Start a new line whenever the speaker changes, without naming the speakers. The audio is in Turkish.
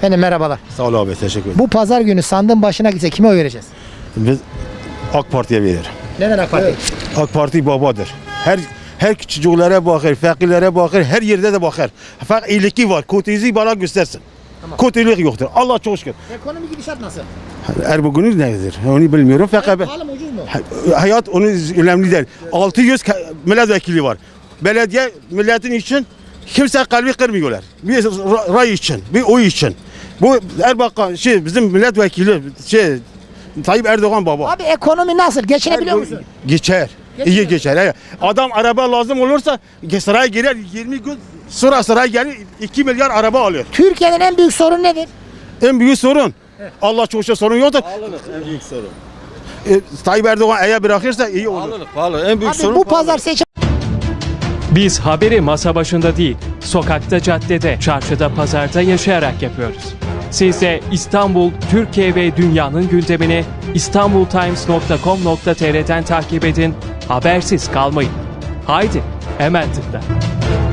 Efendim merhabalar.
Sağ ol abi, teşekkür ederim.
Bu pazar günü sandığın başına gitse kime oy vereceğiz?
Biz AK Parti'ye verir.
Neden AK Parti?
AK Parti babadır. Her çocuklara bakır, fakirlere bakır, her yerde de bakır. Fakat iyiliği var, kötülüğü bana göstersin.
Tamam.
Kötülük yoktur. Allah çok şükür.
Ekonomi gidişat nasıl?
Erbakan'ın nedir? Onu bilmiyorum fakat
Pahalı mı ucuz mu?
hayat onun önemli değil. 600 milletvekili var. Belediye milletin için kimse kalbi kırmıyorlar. Bir ray için, bir oy için. Bu Erbakan bizim milletvekili Tayyip Erdoğan baba.
Abi ekonomi nasıl? Geçinebiliyor musun?
Geçer. İyi geçer. Evet. Adam araba lazım olursa sıraya girer 20 gün sonra sıraya gelir 2 milyar araba alıyor.
Türkiye'nin en büyük sorunu nedir?
En büyük sorun. Allah çok şey sorun yoktur.
Pahalılık en büyük sorun.
Tayyip Erdoğan eğer bırakırsa iyi olur.
Pahalı. En büyük
Abi
sorun
bu
pahalılık.
pazar seçim
Biz haberi masa başında değil, sokakta, caddede, çarşıda, pazarda yaşayarak yapıyoruz. Siz de İstanbul, Türkiye ve dünyanın gündemini istanbultimes.com.tr'den takip edin, habersiz kalmayın. Haydi, hemen tıkla.